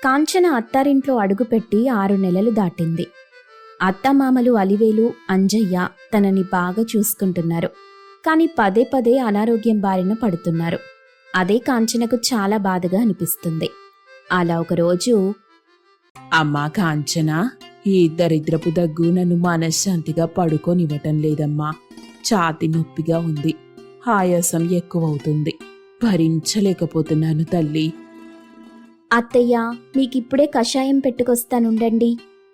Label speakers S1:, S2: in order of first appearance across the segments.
S1: కాంచన అత్తారింట్లో అడుగుపెట్టి 6 నెలలు దాటింది. అత్తమామలు అలివేలు, అంజయ్య తనని బాగా చూసుకుంటున్నారు. కాని పదే పదే అనారోగ్యం బారిన పడుతున్నారు. అదే కాంచనకు చాలా బాధగా అనిపిస్తుంది. అలా ఒకరోజు,
S2: అమ్మా కాంచన, ఈ దరిద్రపు దగ్గు నన్ను మనశ్శాంతిగా పడుకోనివ్వటం లేదమ్మా. ఛాతి నొప్పిగా ఉంది, ఆయాసం ఎక్కువవుతుంది, భరించలేకపోతున్నాను తల్లి.
S1: అత్తయ్య, మీకిప్పుడే కషాయం పెట్టుకొస్తానుండండి.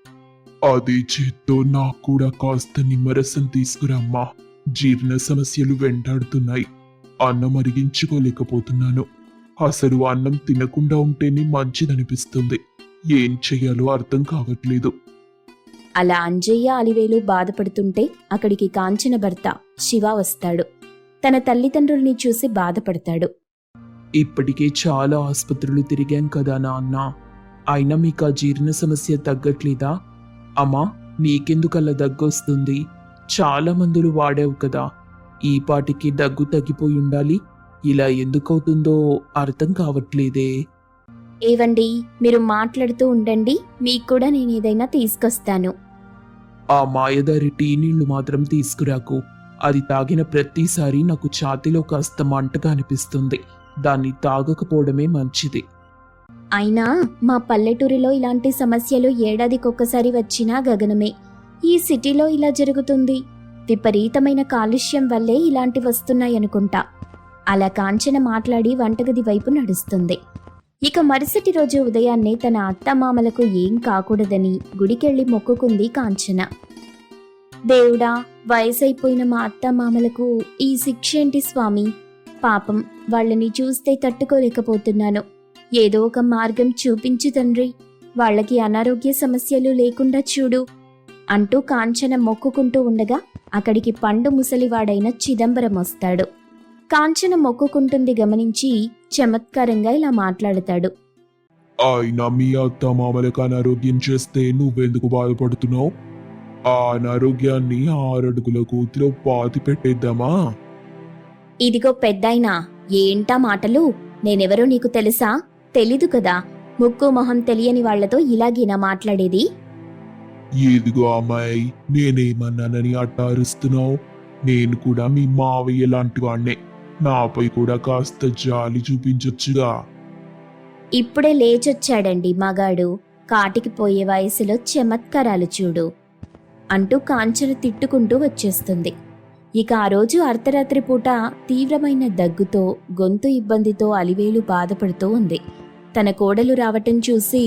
S3: అదే చేత్తో నాకు కూడా కాస్త నిమ్మరసం తీసుకురమ్మా. జీర్ణ సమస్యలు వెంటాడుతున్నాయి. అన్నం అరిగించుకోలేకపోతున్నాను. అసలు అన్నం తినకుండా ఉంటేనే మంచిదనిపిస్తుంది. ఏం చెయ్యాలో అర్థం కావట్లేదు.
S1: అలా అంజయ్య, అలివేలు బాధపడుతుంటే అక్కడికి కాంచన భర్త శివ వస్తాడు. తన తల్లిదండ్రుల్ని చూసి బాధపడతాడు.
S2: ఇప్పటికే చాలా ఆసుపత్రులు తిరిగాం కదా నాన్న, అయినా మీకు ఆ జీర్ణ సమస్య తగ్గట్లేదా? అమ్మా, నీకెందుకలా దగ్గొస్తుంది? చాలా మందులు వాడావు కదా, ఈ పాటికి దగ్గు తగ్గిపోయి ఉండాలి. ఇలా ఎందుకవుతుందో అర్థం కావట్లేదే.
S1: ఏవండి, మీరు మాట్లాడుతూ ఉండండి, మీకు కూడా నేనేదైనా తీసుకొస్తాను.
S2: ఆ మాయదారి టీ నీళ్లు మాత్రం తీసుకురాకు. అది తాగిన ప్రతిసారి నాకు ఛాతీలో కాస్త మంటగా అనిపిస్తుంది. దాన్ని తాగకపోవడమే మంచిది.
S1: అయినా మా పల్లెటూరిలో ఇలాంటి సమస్యలు ఏడాదికొక్కసారి వచ్చినా గగనమే. ఈ సిటీలో ఇలా జరుగుతుంది. విపరీతమైన కాలుష్యం వల్లే ఇలాంటి వస్తున్నాయనుకుంటా. అలా కాంచన మాట్లాడి వంటగది వైపు నడుస్తుంది. ఇక మరుసటి రోజు ఉదయాన్నే తన అత్తమామలకు ఏం కాకూడదని గుడికెళ్ళి మొక్కుకుంది కాంచన. దేవుడా, వయసైపోయిన మా అత్తమామలకు ఈ శిక్షేంటి స్వామి? పాపం, వాళ్ళని చూస్తే తట్టుకోలేకపోతున్నాను. ఏదో ఒక మార్గం చూపించు తండ్రి. వాళ్ళకి అనారోగ్య సమస్యలు లేకుండా చూడు అంటూ కాంచన మొక్కుకుంటూ ఉండగా అక్కడికి పండు ముసలివాడైన చిదంబరం వస్తాడు. కాంచన మొక్కుకుంటుంది గమనించి చమత్కారంగా ఇలా మాట్లాడతాడు.
S3: అయినా మీ అత్త మామలకు అనారోగ్యం చేస్తే నువ్వెందుకు బాధపడుతున్నావు? ఆ అనారోగ్యాన్ని 6 అడుగుల కూతిలో పాతి పెట్టేద్దామా?
S1: ఇదిగో పెద్దాయినా, ఏంటా మాటలు? నేనెవరో నీకు తెలుసా? తెలీదు కదా. ముక్కు మొహం తెలియని వాళ్లతో ఇలాగేనా మాట్లాడేది?
S3: ఇదిగో అమ్మాయి, నేనేమన్నానని అట్టారుస్తున్నావు? నేను కూడా మీ మావయ్య లాంటి వాణ్ణే. నాపై కూడా కాస్త జాలి చూపించొచ్చుగా.
S1: ఇప్పుడే లేచొచ్చాడండి మగాడు. కాటికి పోయే వయసులో చమత్కారాలు చూడు అంటూ కాంచన తిట్టుకుంటూ వచ్చేస్తుంది. ఇక ఆ రోజు అర్ధరాత్రి పూట తీవ్రమైన దగ్గుతో, గొంతు ఇబ్బందితో అలివేలు బాధపడుతూ ఉంది. తన కోడలు రావటం చూసి,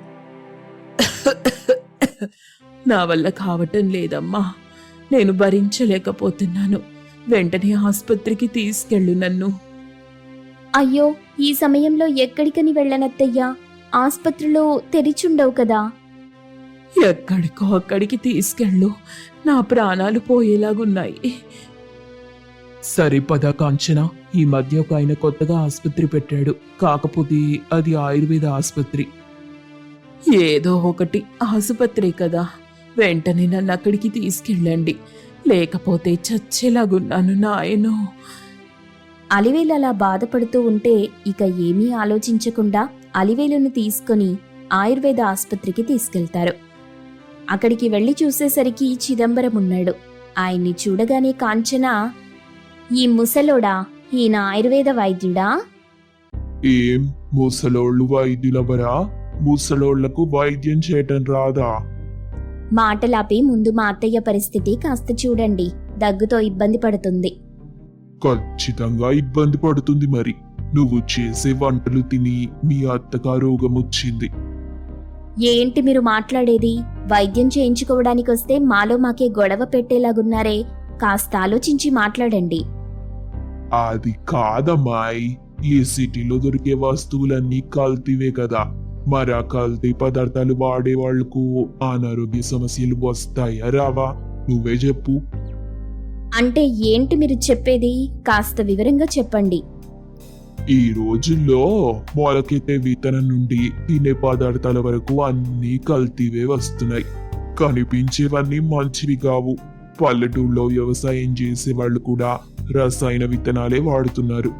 S2: నా వల్ల కావటం లేదమ్మా, నేను భరించలేకపోతున్నాను. వెంటనే ఆసుపత్రికి తీసుకెళ్ళు నన్ను.
S1: అయ్యో, ఈ సమయంలో ఎక్కడికని వెళ్ళనత్తయ్యా? ఆస్పత్రిలో తెరిచుండవు కదా.
S2: ఎక్కడికో అక్కడికి తీసుకెళ్ళు, నా ప్రాణాలు పోయేలాగున్నాయి. సరే పద కాంచన, ఈ మధ్య ఒక ఆయన కొత్తగా ఆసుపత్రి పెట్టాడు. కాకపోతే అది ఆయుర్వేద ఆసుపత్రి. ఏదో ఒకటి ఆసుపత్రి కదా, వెంటనే నన్ను అక్కడికి తీసుకెళ్ళండి, లేకపోతే చచ్చేలాగున్నాను నాయనో.
S1: అలివేలు అలా బాధపడుతూ ఉంటే ఇక ఏమీ ఆలోచించకుండా అలివేలును తీసుకుని ఆయుర్వేద ఆసుపత్రికి తీసుకెళ్తారు. అక్కడికి వెళ్లి చూసేసరికి చిదంబరం ఉన్నాడు. ఆయన్ని చూడగానే కాంచన, ఈ ముసలోడా, ఈయన ఆయుర్వేద వైద్యుడా?
S3: ఏం ముసలోళ్ళు వైద్యులవరా? ముసలోళ్లకు వైద్యం చేయటం రాదా?
S1: మాటలాపి ముందు మా అత్తయ్య పరిస్థితి కాస్త చూడండి. దగ్గుతో ఇబ్బంది పడుతుంది.
S3: ఖచ్చితంగా ఇబ్బంది పడుతుంది. మరి నువ్వు చేసే వంటలు తిని మీ అత్తగా రోగం వచ్చింది.
S1: ఏంటి మీరు మాట్లాడేది? వైద్యం చేయించుకోవడానికొస్తే మాలో మాకే గొడవ పెట్టేలాగున్నారే. కాస్త ఆలోచించి మాట్లాడండి.
S3: అది కాదమ్మాయి, ఈ సిటీలో దొరికే వస్తువులన్నీ కల్తీవే కదా. మరి ఆ కల్తీ పదార్థాలు వాడే వాళ్లకు అనారోగ్య సమస్యలు వస్తాయా రావా? నువ్వే చెప్పు.
S1: అంటే ఏంటి మీరు చెప్పేది? కాస్త వివరంగా చెప్పండి.
S3: ఈ రోజుల్లో మొలకెత్తే విత్తనం నుండి తినే పదార్థాల వరకు అన్నీ కల్తీవే వస్తున్నాయి. కనిపించేవన్నీ మంచివి కావు. పల్లెటూళ్ళలో వ్యవసాయం చేసే వాళ్ళు కూడా రసాయన విత్తనాలే వాడుతున్నారు.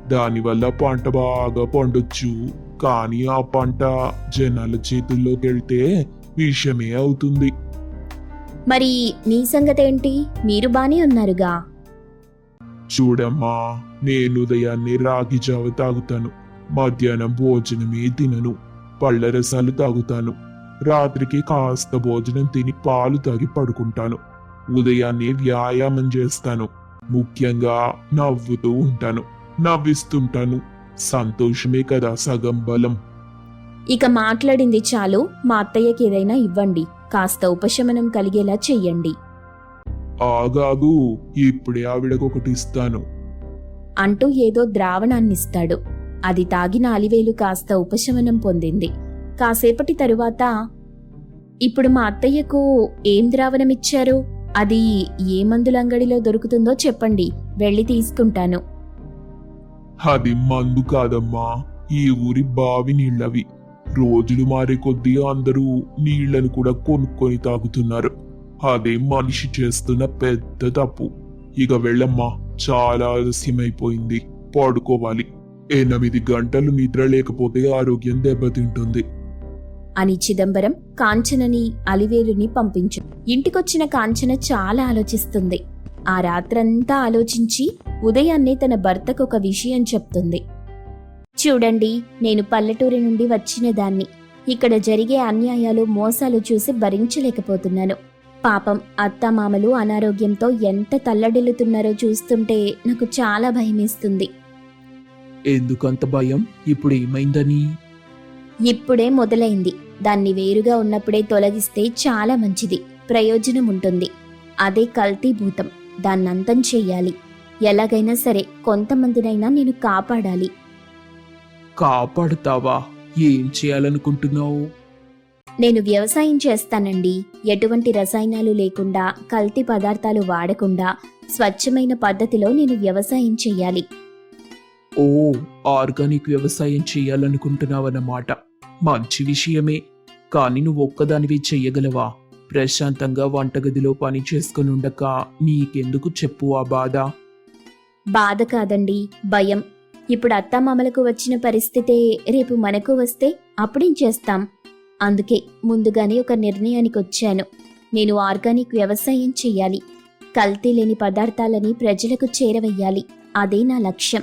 S3: దానివల్ల పంట బాగా పండొచ్చు. కానీ ఆ పంట జనాల చేతుల్లోకి వెళ్తే విషమే అవుతుంది.
S1: మరి మీ సంగతేంటి? మీరు బానే ఉన్నారుగా.
S3: చూడమ్మా, నేను ఉదయాన్నే రాగి జావ తాగుతాను, మధ్యాహ్నం భోజనమే తినను, పళ్ళ రసాలు తాగుతాను, రాత్రికి కాస్త భోజనం తిని పాలు తాగి పడుకుంటాను. ఉదయాన్నే వ్యాయామం చేస్తాను, ముఖ్యంగా నవ్వుతూ ఉంటాను, నవ్విస్తుంటాను. సంతోషమే కదా సగం బలం.
S1: ఇక మాట్లాడింది చాలు, మా అత్తయ్యకి ఏదైనా ఇవ్వండి, కాస్త ఉపశమనం కలిగేలా చెయ్యండి
S3: ఆగాగు, ఇప్పుడే ఆవిడకొకటి ఇస్తాను.
S1: అంటూ ఏదో ద్రావణాన్నిస్తాడు. అది తాగిన అలివేలు కాస్త ఉపశమనం పొందింది. కాసేపటి తరువాత, ఇప్పుడు మా అత్తయ్యకు ఏం ద్రావణమిచ్చారు? అది ఏ మందులంగడిలో దొరుకుతుందో చెప్పండి, వెళ్ళి తీసుకుంటాను.
S3: అది మందు కాదమ్మా, ఈ ఊరి బావి నీళ్ళవి. రోజులు మారే కొద్దీ అందరూ నీళ్లను కూడా కొనుక్కొని తాగుతున్నారు. అదే మనిషి చేస్తున్న పెద్ద తప్పు. ఇక వెళ్ళమ్మా, చాలా ఆలస్యమైపోయింది, పడుకోవాలి. 8 గంటలు నిద్ర లేకపోతే ఆరోగ్యం దెబ్బతింటుంది
S1: అని చిదంబరం కాంచనని అలివేలుని పంపించు. ఇంటికొచ్చిన కాంచన చాలా ఆలోచిస్తుంది. ఆ రాత్రంతా ఆలోచించి ఉదయాన్నే తన భర్తకు ఒక విషయం చెప్తుంది. చూడండి, నేను పల్లెటూరి నుండి వచ్చిన దాన్ని. ఇక్కడ జరిగే అన్యాయాలు, మోసాలు చూసి భరించలేకపోతున్నాను. పాపం అత్తామామలు అనారోగ్యంతో ఎంత తల్లడిల్లుతున్నారో చూస్తుంటే నాకు చాలా భయమేస్తుంది.
S2: ఎందుకంత భయం? ఇప్పుడు ఏమైందని?
S1: ఇప్పుడే మొదలైంది. దాన్ని వేరుగా ఉన్నప్పుడే తొలగిస్తే చాలా మంచిది, ప్రయోజనం ఉంటుంది. అదే కల్తీ భూతం, దాన్నంతం చెయ్యాలి. ఎలాగైనా సరే కొంతమందినైనా నేను కాపాడాలి.
S2: కాపాడుతావా? ఏం చేయాలనుకుంటున్నావు?
S1: నేను వ్యవసాయం చేస్తానండి. ఎటువంటి రసాయనాలు లేకుండా, కల్తీ పదార్థాలు వాడకుండా స్వచ్ఛమైన పద్ధతిలో నేను వ్యవసాయం చెయ్యాలి.
S2: ఓ, ఆర్గానిక్ వ్యవసాయం చేయాలనుకుంటున్నావన్నమాట. మంచి విషయమే. కానీ నువ్వు ఒక్కదానివి చెయ్యగలవా? ప్రశాంతంగా వంటగదిలో పని చేసుకుని ఉండక నీకెందుకు చెప్పు ఆ బాధ?
S1: బాధ కాదండి, భయం. ఇప్పుడు అత్తామామలకు వచ్చిన పరిస్థితే రేపు మనకు వస్తే అప్పుడేం చేస్తాం? అందుకే ముందుగానే ఒక నిర్ణయానికి వచ్చాను. నేను ఆర్గానిక్ వ్యవసాయం చెయ్యాలి. కల్తీ లేని పదార్థాలని ప్రజలకు చేరవెయ్యాలి. అదే నా లక్ష్యం.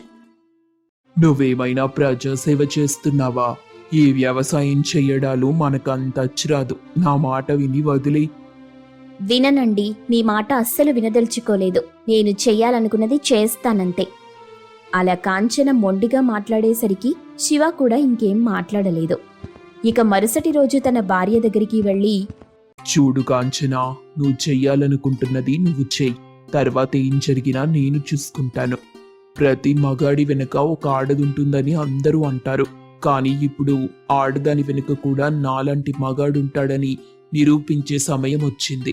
S2: నువ్వేమైనా ప్రజాసేవ చేస్తున్నావా? ఈ వ్యవసాయం చెయ్యడాలు మనకంత అచ్చిరాదు. నా మాట విని వదిలే.
S1: విననండి, మీ మాట అస్సలు వినదలుచుకోలేదు. నేను చెయ్యాలనుకున్నది చేస్తానంతే. అలా కాంచన మొండిగా మాట్లాడేసరికి శివ కూడా ఇంకేం మాట్లాడలేదు. ఇక మరుసటి రోజు తన భార్య దగ్గరికి వెళ్ళి,
S2: చూడు కాంచనా, నువ్వు చెయ్యాలనుకుంటున్నది నువ్వు చెయ్యి. తర్వాత ఏం జరిగినా నేను చూసుకుంటాను. ప్రతి మగాడి వెనుక ఒక ఆడదుంటుందని అందరూ అంటారు. కానీ ఇప్పుడు ఆడదాని వెనుక కూడా నాలాంటి మగాడుంటాడని నిరూపించే సమయం వచ్చింది.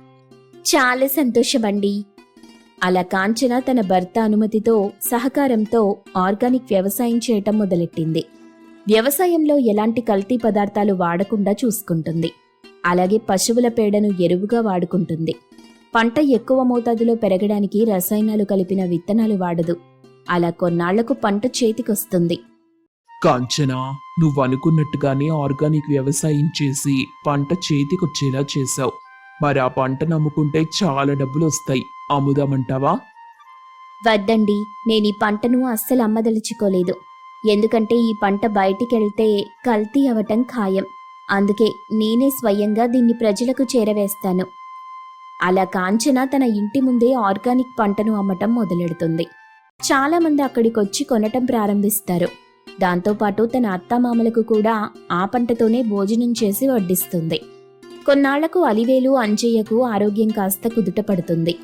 S1: చాలా సంతోషమండి. అలా కాంచన తన భర్త అనుమతితో, సహకారంతో ఆర్గానిక్ వ్యవసాయం చేయటం మొదలెట్టింది. వ్యవసాయంలో ఎలాంటి కల్తీ పదార్థాలు వాడకుండా చూసుకుంటుంది. అలాగే పశువుల పేడను ఎరువుగా వాడుకుంటుంది. పంట ఎక్కువ మోతాదులో పెరగడానికి రసాయనాలు కలిపిన విత్తనాలు వాడదు. అలా కొన్నాళ్లకు పంట చేతికొస్తుంది.
S2: కాంచనా, నువ్వు అనుకున్నట్టుగానే ఆర్గానిక్ వ్యవసాయం చేసి పంట చేతికొచ్చేలా చేశావు. మరి ఆ పంట నమ్ముకుంటే చాలా డబ్బులు వస్తాయి. అమ్ముదామంటావా?
S1: వద్దండి, నేను ఈ పంటను అస్సలు అమ్మదలుచుకోలేదు. ఎందుకంటే ఈ పంట బయటికెళ్తే కల్తీ అవటం ఖాయం. అందుకే నేనే స్వయంగా దీన్ని ప్రజలకు చేరవేస్తాను. అలా కాంచన తన ఇంటి ముందే ఆర్గానిక్ పంటను అమ్మటం మొదలెడుతుంది. చాలా మంది అక్కడికొచ్చి కొనటం ప్రారంభిస్తారు. దాంతోపాటు తన అత్తామామలకు కూడా ఆ పంటతోనే భోజనం చేసి వడ్డిస్తుంది. కొన్నాళ్లకు అలివేలు, అంజయ్యకు ఆరోగ్యం కాస్త కుదుటపడుతుంది.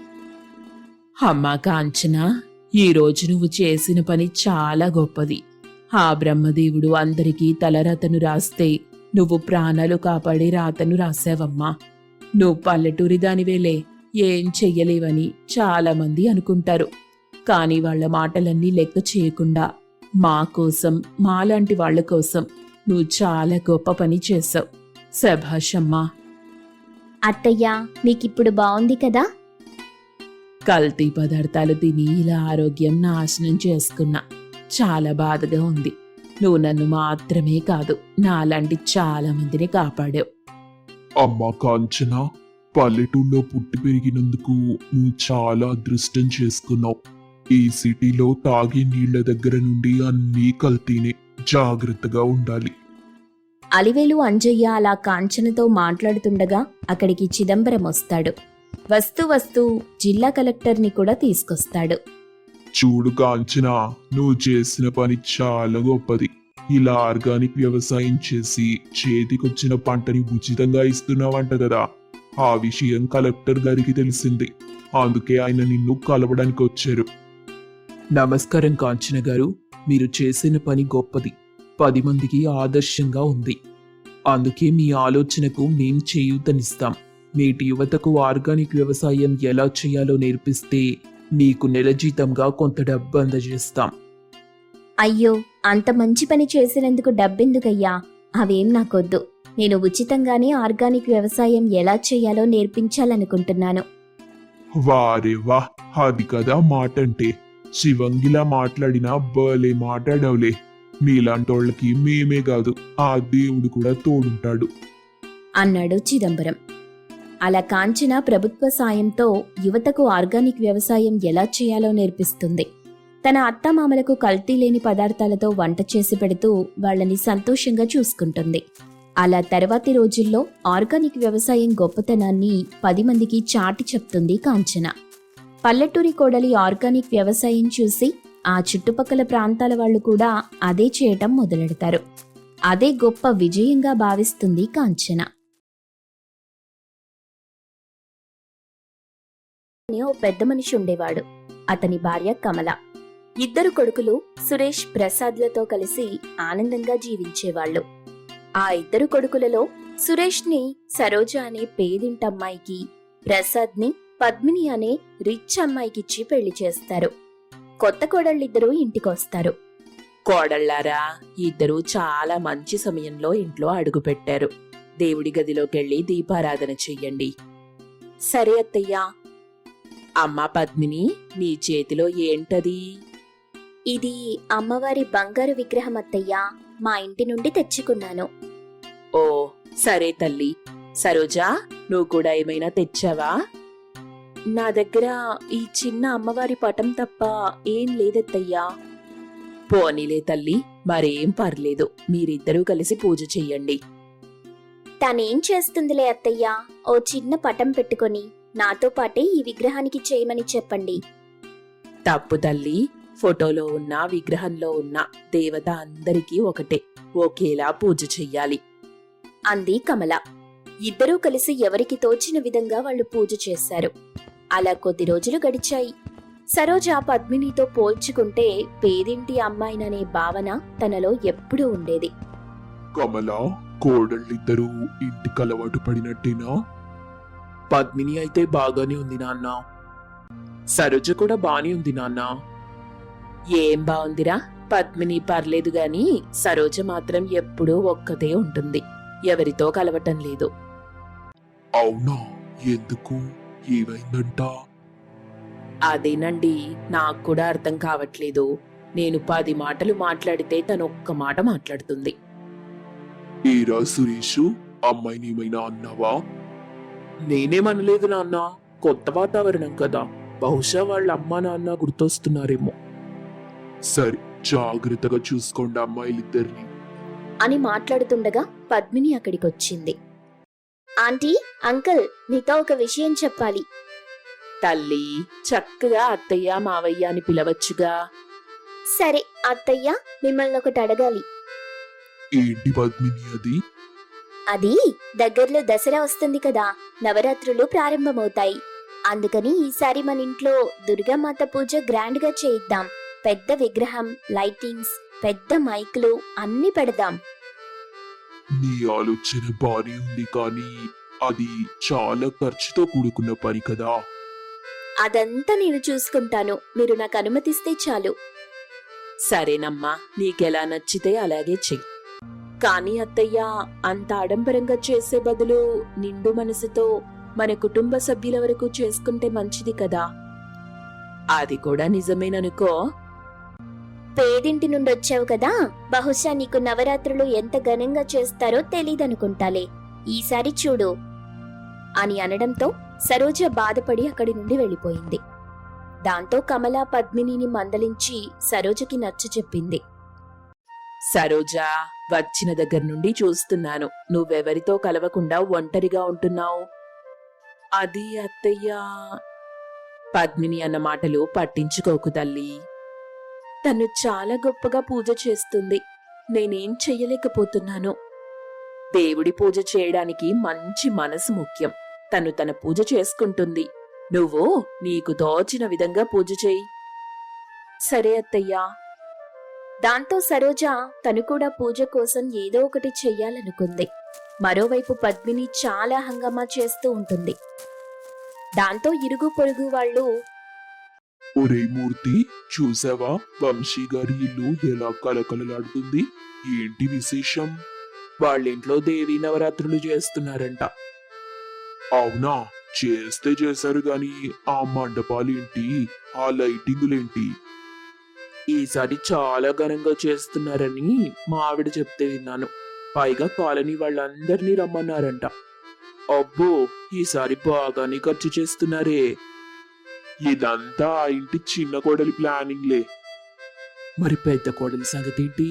S4: అమ్మా కాంచనా, ఈరోజు నువ్వు చేసిన పని చాలా గొప్పది. ఆ బ్రహ్మదేవుడు అందరికీ తలరాతను రాస్తే నువ్వు ప్రాణాలు కాపాడే రాతను రాసావమ్మా. నువ్వు పల్లెటూరి దానివేలే, ఏం చెయ్యలేవని చాలా మంది అనుకుంటారు. కాని వాళ్ల మాటలన్నీ లెక్క చేయకుండా మా కోసం, మాలాంటి వాళ్ల కోసం నువ్వు చాలా గొప్ప పని చేశావు. శభాషమ్మా.
S1: అత్తయ్యా, మీకిప్పుడు బావుంది కదా?
S4: కల్తీ పదార్థాలు తిని ఇలా ఆరోగ్యం నాశనం చేసుకున్నా. చాలా బాధగా ఉంది. నువ్వు నన్ను మాత్రమే కాదు, నాలాంటి చాలా మందిని కాపాడావు.
S3: అమ్మా కాంచన, పల్లెటూళ్ళలో పుట్టి పెరిగినందుకు నువ్వు చాలా అదృష్టం చేసుకున్నావు. ఈ సిటీలో తాగే నీళ్ల దగ్గర నుండి అన్నీ కల్తీనే. జాగ్రత్తగా ఉండాలి.
S1: అలివేలు అంజయ్య అలా కాంచనతో మాట్లాడుతుండగా అక్కడికి చిదంబరం వస్తాడు. వస్తూ వస్తూ జిల్లా కలెక్టర్ని కూడా తీసుకొస్తాడు.
S3: చూడు కాంచన, నువ్వు చేసిన పని చాలా గొప్పది. ఇలా ఆర్గానిక్ వ్యవసాయం చేసి చేతికొచ్చిన పంటని ఉచితంగా ఇస్తున్నావంట కదా. ఆ విషయం కలెక్టర్ గారికి తెలిసింది. అందుకే ఆయన నిన్ను కలవడానికి వచ్చారు.
S2: నమస్కారం కాంచన గారు. మీరు చేసిన పని గొప్పది, 10 మందికి ఆదర్శంగా ఉంది. అందుకే మీ ఆలోచనకు మేం చేయూతనిస్తాం. నేటి యువతకు ఆర్గానిక్ వ్యవసాయం ఎలా చేయాలో నేర్పిస్తే మీకు నెల జీతంగా కొంత డబ్బు అందజేస్తాం.
S1: అయ్యో, అంత మంచి పని చేసినందుకు డబ్బెందుకయ్యా? అవేం నాకొద్దు. నేను ఉచితంగానే ఆర్గానిక్ వ్యవసాయం ఎలా చేయాలో నేర్పించాలనుకుంటున్నాను.
S3: వారే వా, అది కదా మాట అంటే. శివంగిలా మాట్లాడినా భలే మాట్లాడవులే. నీలాంటోళ్ళకి మేమే కాదు, ఆ దేవుడు కూడా తోడుంటాడు
S1: అన్నాడు చిదంబరం. అలా కాంచన ప్రభుత్వ సాయంతో యువతకు ఆర్గానిక్ వ్యవసాయం ఎలా చేయాలో నేర్పిస్తుంది. తన అత్తామామలకు కల్తీ లేని పదార్థాలతో వంట చేసి పెడుతూ వాళ్ళని సంతోషంగా చూసుకుంటుంది. అలా తర్వాతి రోజుల్లో ఆర్గానిక్ వ్యవసాయం గొప్పతనాన్ని 10 మందికి చాటి చెప్తుంది కాంచన. పల్లెటూరి కోడలి ఆర్గానిక్ వ్యవసాయం చూసి ఆ చుట్టుపక్కల ప్రాంతాల వాళ్ళు కూడా అదే చేయటం మొదలెడతారు. అదే గొప్ప విజయంగా భావిస్తుంది కాంచన. ఓ పెద్ద మనిషి ఉండేవాడు. అతని భార్య కమల. 2 కొడుకులు సురేష్, ప్రసాద్లతో కలిసి ఆనందంగా జీవించేవాళ్లు. ఆ 2 కొడుకులలో సురేష్ని సరోజ అనే పేదింటమ్మాయికి, ప్రసాద్ని పద్మిని అనే రిచ్ అమ్మాయికిచ్చి పెళ్లి చేస్తారు. కొత్త కోడళ్ళిద్దరూ ఇంటికొస్తారు.
S4: కోడళ్ళారా, ఇద్దరూ చాలా మంచి సమయంలో ఇంట్లో అడుగుపెట్టారు. దేవుడి గదిలోకెళ్ళి దీపారాధన చెయ్యండి.
S1: సరే అత్తయ్యా.
S4: అమ్మా పద్మిని, నీ చేతిలో ఏంటది?
S1: ఇది అమ్మవారి బంగారు విగ్రహం అత్తయ్యా. మా ఇంటి నుండి తెచ్చుకున్నాను.
S4: ఓ సరే తల్లి. సరోజా, నువ్వు కూడా ఏమైనా తెచ్చావా?
S1: నా దగ్గర ఈ చిన్న అమ్మవారి పటం తప్ప ఏం లేదత్తయ్యా.
S4: పోనీలే తల్లి, మరేం పర్లేదు. మీరిద్దరూ కలిసి పూజ చెయ్యండి.
S1: తనేం చేస్తుందిలే అత్తయ్యా. ఓ చిన్న పటం పెట్టుకొని నాతో పాటే ఈ విగ్రహానికి చేయమని చెప్పండి.
S4: తప్పు తల్లి, ఫోటోలో ఉన్న విగ్రహంలో ఉన్న దేవత అందరికీ ఒకటే, ఒకేలా పూజ చెయ్యాలి
S1: అంది కమల. ఇద్దరూ కలిసి ఎవరికి తోచిన విధంగా వాళ్ళు పూజ చేశారు. అలా కొద్ది రోజులు గడిచాయి. సరోజ పద్మినితో పోల్చుకుంటే పేదింటి అమ్మాయిననే భావన తనలో ఎప్పుడూ ఉండేది.
S3: కమల, కోడళ్ళిద్దరూ ఇంటికి అలవాటు పడినట్టేనా?
S2: పద్మిని అయితే బాగానే ఉంది నాన్న. సరోజ కూడా బానే ఉంది నాన్న.
S4: ఏం బావుందిరా, పద్మిని పర్లేదు గాని సరోజ మాత్రం ఎప్పుడూ ఒక్కతే ఉంటుంది. ఎవరితో కలవటం లేదు.
S3: అవునా? ఎందుకు? ఏమైందంట?
S4: అదేనండి, నాకు కూడా అర్థం కావట్లేదు. నేను 10 మాటలు మాట్లాడితే తను ఒక్క మాట మాట్లాడుతుంది.
S3: ఏరా సురేషు, అమ్మాయిని ఏమైనా అన్నావా?
S2: నేనేమనలేదు నాన్న. కొత్త వాతావరణం కదా, బహుశా వాళ్ళ అమ్మా నాన్న గుర్తొస్తున్నారేమో.
S3: సరే, జాగ్రత్తగా చూసుకోండి అమ్మాయిలిద్దరిని
S1: అని మాట్లాడుతుండగా పద్మిని అక్కడికొచ్చింది. ఆంటీ, అంకుల్, నీతో ఒక విషయం చెప్పాలి.
S4: తల్లి, చక్కగా అత్తయ్య మావయ్య అని పిలవచ్చుగా.
S1: సరే అత్తయ్య, మిమ్మల్ని ఒకటి అడగాలి.
S3: ఏంటి పద్మిని అది?
S1: అది దగ్గరలో దసరా వస్తుంది కదా, నవరాత్రులు ప్రారంభమవుతాయి. అందుకని ఈసారి మన ఇంట్లో దుర్గామాత పూజ గ్రాండ్ గా చేయిద్దాం. పెద్ద విగ్రహం, లైటింగ్స్, పెద్ద మైకులు అన్ని పెడదాం.
S3: నీ ఆలోచన బానే ఉంది, కానీ అది చాలా ఖర్చుతో కూడుకున్న పని కదా.
S1: అదంతా నేను చూసుకుంటాను, మీరు నాకు అనుమతిస్తే చాలు.
S4: సరేనమ్మా, నీకెలా నచ్చితే అలాగే చెయ్యి. కానీ అత్తయ్య, అంత ఆడంబరంగా చేసే బదులు నిండు మనసుతో మన కుటుంబ సభ్యుల వరకు చేసుకుంటే మంచిది కదా. అది కూడా నిజమేననుకో.
S1: పేదింటి నుండి వచ్చావు కదా, బహుశా నీకు నవరాత్రులు ఎంత ఘనంగా చేస్తారో తెలీదనుకుంటాలే. ఈసారి చూడు అని అనడంతో సరోజ బాధపడి అక్కడి నుండి వెళ్ళిపోయింది. దాంతో కమల పద్మినిని మందలించి సరోజకి నచ్చచెప్పింది.
S4: సరోజా, వచ్చిన దగ్గర నుండి చూస్తున్నాను నువ్వెవరితో కలవకుండా ఒంటరిగా ఉంటున్నావు. అది అత్తయ్యా. పద్మిని అన్న మాటలు పట్టించుకోకు తల్లి. తను చాలా గొప్పగా పూజ చేస్తుంది, నేనేం చెయ్యలేకపోతున్నాను. దేవుడి పూజ చేయడానికి మంచి మనసు ముఖ్యం. తను తన పూజ చేసుకుంటుంది, నువ్వు నీకు తోచిన విధంగా పూజ చేయి.
S1: సరే అత్తయ్యా. దాంతో సరోజ తను కూడా పూజ కోసం ఏదో ఒకటి చెయ్యాలనుకుంది. మరోవైపు పద్మిని చాలా హంగామా చేస్తూ ఉంటుంది. దాంతో ఇరుగు పొరుగు వాళ్ళు,
S3: ఒరే మూర్తి, చూసావా వంశీ గారి ఇల్లు ఎలా కలకలలాడుతుంది? ఏంటి విశేషం?
S2: వాళ్ళింట్లో దేవీ నవరాత్రులు చేస్తున్నారంట.
S3: అవునా? చేస్తే చేశారు గాని ఆ మండపాలేంటి, ఆ లైటింగులేంటి?
S2: ఈసారి చాలా ఘనంగా చేస్తున్నారని మా ఆవిడ చెప్తే విన్నాను. పైగా కాలనీ వాళ్ళందరినీ రమ్మన్నారంట. అబ్బో, ఈసారి బాగానే ఖర్చు చేస్తున్నారే.
S3: ఇదంతా ఆ ఇంటి చిన్న కోడలి ప్లానింగ్లే.
S2: మరి పెద్ద కోడలి సంగతి ఏంటి?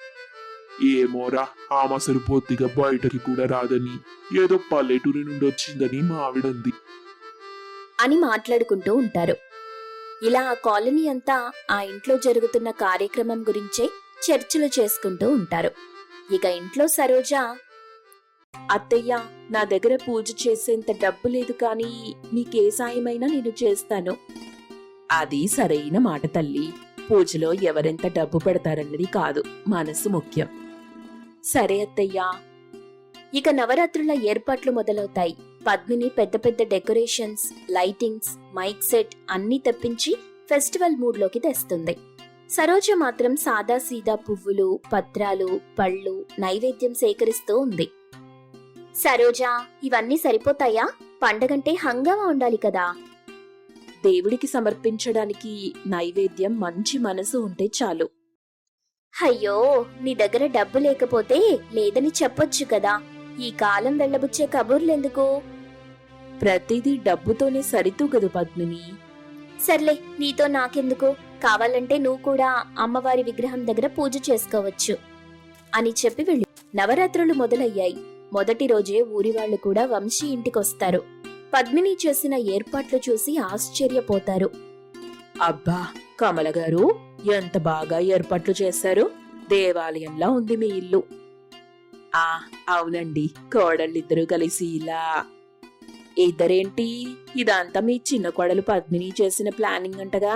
S3: ఏమోరా, ఆమె అసలు పొత్తిగా బయటకి కూడా రాదని, ఏదో పల్లెటూరి నుండి వచ్చిందని మా ఆవిడంది.
S1: అని మాట్లాడుకుంటూ ఉంటారు. ఇలా ఆ కాలనీ అంతా ఆ ఇంట్లో జరుగుతున్న కార్యక్రమం గురించే చర్చలు చేసుకుంటూ ఉంటారు. ఇక ఇంట్లో సరోజ,
S4: అత్తయ్య, నా దగ్గర పూజ చేసేంత డబ్బు లేదు, కానీ మీకే సాయమైనా నేను చేస్తాను. అది సరైన మాట తల్లి. పూజలో ఎవరెంత డబ్బు పెడతారన్నది కాదు, మనసు ముఖ్యం.
S1: సరే అత్తయ్యా. ఇక నవరాత్రుల ఏర్పాట్లు మొదలవుతాయి. పద్మిని పెద్ద పెద్ద డెకరేషన్స్, లైటింగ్స్, మైక్ సెట్ అన్నీ తెప్పించి ఫెస్టివల్ మూడ్లోకి తెస్తుంది. సరోజ మాత్రం సాదా సీదా పువ్వులు, పత్రాలు, పళ్ళు, నైవేద్యం సేకరిస్తూ ఉంది. సరోజా, ఇవన్నీ సరిపోతాయా? పండగంటే హంగామా ఉండాలి కదా.
S4: దేవుడికి సమర్పించడానికి నైవేద్యం మంచి మనసు ఉంటే చాలు.
S1: అయ్యో, నీ దగ్గర డబ్బు లేకపోతే లేదని చెప్పొచ్చు కదా. ఈ కాలం వెళ్ళబుచ్చే కబుర్లెందుకు?
S4: ప్రతిదీ డబ్బుతోనే సరితూగదు పద్మిని.
S1: సర్లే, నీతో నాకెందుకు? కావాలంటే నువ్వు కూడా అమ్మవారి విగ్రహం దగ్గర పూజ చేసుకోవచ్చు అని చెప్పి వెళ్ళి నవరాత్రులు మొదలయ్యాయి. మొదటి రోజే ఊరివాళ్లు కూడా వంశీ ఇంటికొస్తారు. పద్మిని చేసిన ఏర్పాట్లు చూసి ఆశ్చర్యపోతారు.
S4: అబ్బా, కమల గారు, ఎంత బాగా ఏర్పాట్లు చేశారు. దేవాలయంలా ఉంది మీ ఇల్లు. ఆ అవునండి, కోడళ్ళిద్దరూ కలిసి ఇలా. ఇద్దరేంటి, ఇదంతా మీ చిన్న కోడలు పద్మిని చేసిన ప్లానింగ్ అంటగా?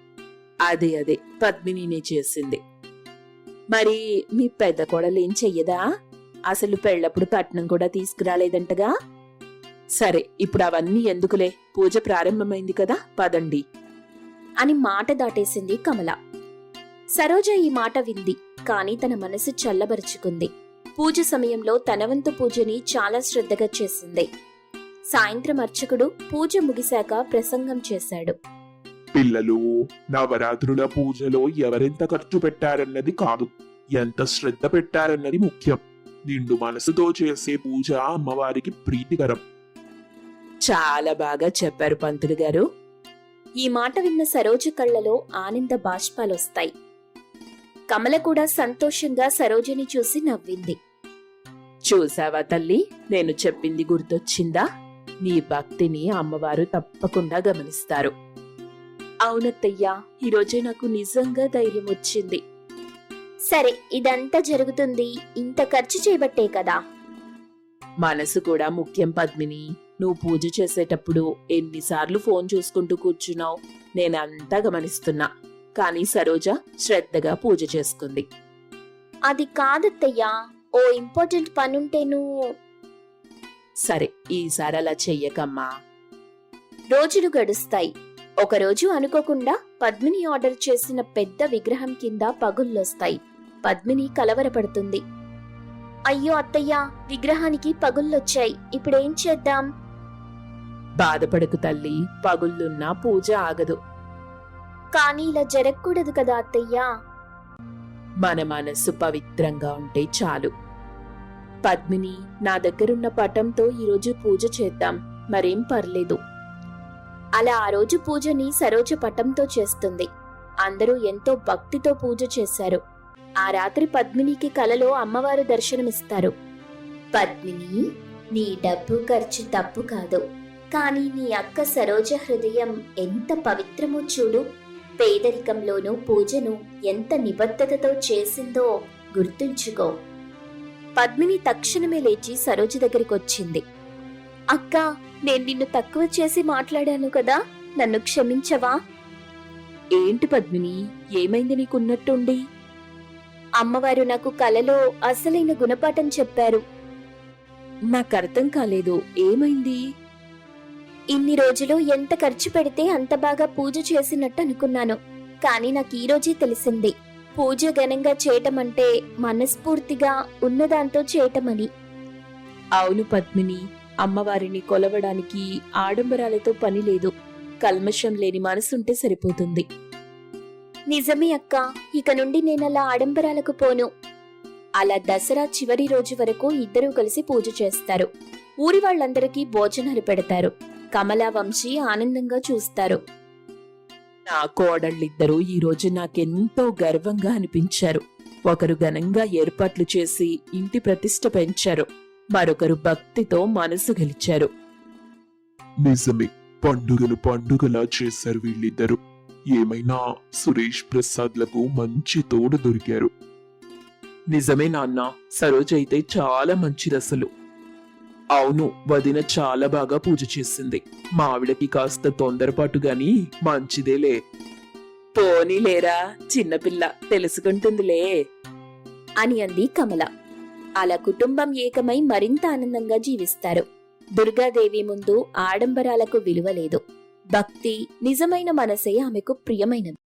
S4: అదే పద్మినినే చేసింది. మరి మీ పెద్ద కోడలు ఏం చెయ్యదా? అసలు పెళ్ళప్పుడు కట్నం కూడా తీసుకురాలేదంటగా? సరే, ఇప్పుడు అవన్నీ ఎందుకులే, పూజ ప్రారంభమైంది కదా, పదండి
S1: అని మాట దాటేసింది కమల. సరోజ ఈ మాట వింది, కాని తన మనసు చల్లబరుచుకుంది. పూజ సమయంలో తన వంతు పూజని చాలా శ్రద్ధగా చేసింది. సాయంత్రం అర్చకుడు పూజ ముగిశాక ప్రసంగం చేశాడు.
S3: పిల్లలు, నవరాత్రుల పూజలో ఎవరెంత ఖర్చు పెట్టారన్నది కాదు, ఎంత శ్రద్ధ పెట్టారన్నది ముఖ్యం. నిండు మనసుతో చేసే పూజ అమ్మవారికి ప్రీతికరం.
S4: చాలా బాగా చెప్పారు పంతులు గారు.
S1: ఈ మాట విన్న సరోజ కళ్ళలో ఆనంద బాష్పాలొస్తాయి. కమల కూడా సంతోషంగా సరోజని చూసి నవ్వింది.
S4: చూసావా తల్లి, నేను చెప్పింది గుర్తొచ్చిందా? నీ భక్తిని అమ్మవారు తప్పకుండా గమనిస్తారు.
S1: అవునత్తయ్యా, ఈరోజే నాకు నిజంగా ధైర్యం వచ్చింది. సరే, ఇదంతా జరుగుతుంది ఇంత ఖర్చు చేయబట్టే కదా.
S4: మనసు కూడా ముఖ్యం పద్మిని. నువ్వు పూజ చేసేటప్పుడు ఎన్నిసార్లు ఫోన్ చూసుకుంటూ కూర్చున్నావు, నేనంతా గమనిస్తున్నా. కానీ సరోజ శ్రద్ధగా పూజ చేసుకుంది.
S1: అది కాదత్తయ్యా, ఓ ఇంపార్టెంట్ పనుంటేను.
S4: సరే, ఈసారి అలా చెయ్యకమ్మా.
S1: రోజులు గడుస్తాయి. ఒకరోజు అనుకోకుండా పద్మిని ఆర్డర్ చేసిన పెద్ద విగ్రహం కింద పగుళ్ళొస్తాయి. పద్మిని కలవరపడుతుంది. అయ్యో అత్తయ్యా, విగ్రహానికి పగుళ్ళొచ్చాయి, ఇప్పుడేం చేద్దాం?
S4: బాధపడకు తల్లి, పగుళ్ళున్నా పూజ ఆగదు.
S1: కానీ ఇలా జరగకూడదు కదా అత్తయ్యా.
S4: మన మనస్సు పవిత్రంగా ఉంటే చాలు. పద్మిని, నా దగ్గరున్న పటంతో ఈరోజు పూజ చేద్దాం, మరేం పర్లేదు.
S1: అలా ఆ రోజు పూజని సరోజ పటంతో చేస్తుంది. అందరూ ఎంతో భక్తితో పూజ చేశారు. ఆ రాత్రి పద్మినికి కలలో అమ్మవారు దర్శనమిస్తారు. పద్మిని, నీ డబ్బు ఖర్చు తప్పు కాదు, కానీ నీ అక్క సరోజ హృదయం ఎంత పవిత్రమో చూడు. పేదరికంలోనూ పూజను ఎంత నిబద్ధతతో చేసిందో గుర్తుంచుకో. పద్మిని తక్షణమే లేచి సరోజ దగ్గరికి వచ్చింది. అక్క, నేను నిన్ను తక్కువ చేసి మాట్లాడాను కదా, నన్ను క్షమించవా?
S4: ఏంటి పద్మిని, ఏమైంది నీకున్నట్టుండి?
S1: అమ్మవారు నాకు కలలో అసలైన గుణపాఠం చెప్పారు.
S4: నాకర్థం కాలేదు, ఏమైంది?
S1: ఇన్ని రోజులు ఎంత ఖర్చు పెడితే అంత బాగా పూజ చేసినట్టు అనుకున్నాను, కానీ నాకు ఈ రోజే తెలిసింది పూజ ఘనంగా చేయటమంటే మనస్ఫూర్తిగా ఉన్నదాంతో చేయటమని.
S4: అవును పద్మిని, అమ్మవారిని కొలవడానికి ఆడంబరాలతో పని లేదు. కల్మషం లేని మనసుంటే సరిపోతుంది.
S1: నిజమే అక్క, ఇక నుండి నేనలా ఆడంబరాలకు పోను. అలా దసరా చివరి రోజు వరకు ఇద్దరూ కలిసి పూజ చేస్తారు. ఊరి వాళ్ళందరికీ భోజనాలు పెడతారు. కమలా, వంశీ ఆనందంగా చూస్తారు.
S4: నా కోడళ్ళిద్దరూ ఈ రోజు నాకెంతో గర్వంగా అనిపించారు. ఒకరు ఘనంగా ఏర్పాట్లు చేసి ఇంటి ప్రతిష్ఠ పెంచారు, మరొకరు భక్తితో మనసు గెలిచారు.
S3: నిజమే, పండుగను పండుగలా చేశారు వీళ్ళిద్దరు. ఏమైనా సురేష్ ప్రసాద్లకు మంచి తోడు దొరికారు.
S2: నిజమే నాన్న, సరోజ అయితే చాలా మంచిదసలు. అవును, వదిన చాలా బాగా పూజ చేసింది. మా ఆవిడకి కాస్త తొందరపాటు గాని మంచిదేలే.
S4: పోనీలేరా, చిన్నపిల్ల తెలుసుకుంటుందిలే
S1: అని అంది కమల. అలా కుటుంబం ఏకమై మరింత ఆనందంగా జీవిస్తారు. దుర్గాదేవి ముందు ఆడంబరాలకు విలువ లేదు. భక్తి, నిజమైన మనసే ఆమెకు ప్రియమైనది.